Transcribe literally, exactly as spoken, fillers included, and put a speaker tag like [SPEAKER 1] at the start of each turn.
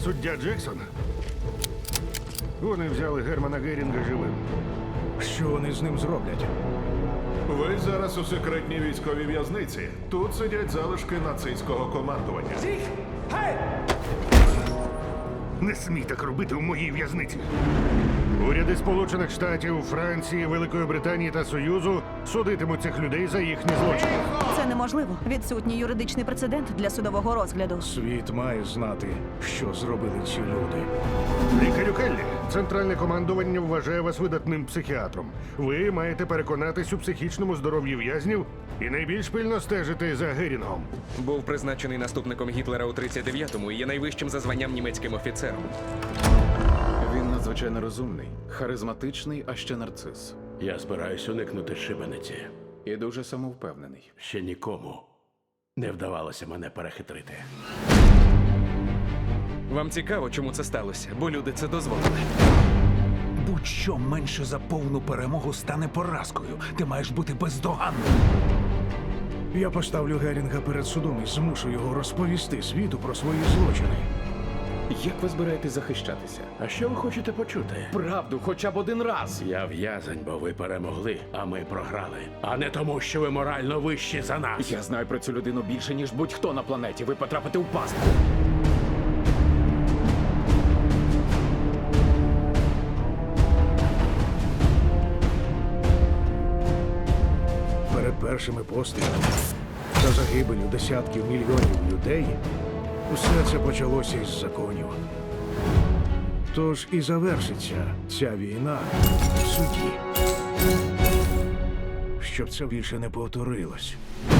[SPEAKER 1] Суддя Джексон? Вони взяли Германа Герінга живим.
[SPEAKER 2] Що вони з ним зроблять?
[SPEAKER 3] Ви зараз у секретній військовій в'язниці. Тут сидять залишки нацистського командування.
[SPEAKER 1] Не смій так робити у моїй в'язниці. Уряди Сполучених Штатів, Франції, Великої Британії та Союзу судитимуть цих людей за їхні злочини.
[SPEAKER 4] Це неможливо. Відсутній юридичний прецедент для судового розгляду.
[SPEAKER 2] Світ має знати, що зробили ці люди.
[SPEAKER 1] Лікарю Келлі, центральне командування вважає вас видатним психіатром. Ви маєте переконатись у психічному здоров'ї в'язнів і найбільш пильно стежити за Герінгом.
[SPEAKER 5] Був призначений наступником Гітлера у тридцять дев'ятому і є найвищим за званням німецьким офіцером.
[SPEAKER 6] Він надзвичайно розумний, харизматичний, а ще нарцис.
[SPEAKER 7] Я збираюсь уникнути шибениці.
[SPEAKER 6] І дуже самовпевнений.
[SPEAKER 7] Ще нікому не вдавалося мене перехитрити.
[SPEAKER 5] Вам цікаво, чому це сталося, бо люди це дозволили.
[SPEAKER 2] Будь-що менше за повну перемогу стане поразкою. Ти маєш бути бездоганним. Я поставлю Герінга перед судом і змушу його розповісти світу про свої злочини.
[SPEAKER 6] Як ви збираєтесь захищатися?
[SPEAKER 7] А що ви хочете почути?
[SPEAKER 6] Правду, хоча б один раз.
[SPEAKER 7] Я в'язень, бо ви перемогли, а ми програли. А не тому, що ви морально вищі за нас.
[SPEAKER 6] Я знаю про цю людину більше, ніж будь-хто на планеті. Ви потрапите у пастку.
[SPEAKER 2] Перед першими пострілами та загибелю десятків мільйонів людей усе це почалося із законів. Тож і завершиться ця війна в суді. Щоб це більше не повторилось.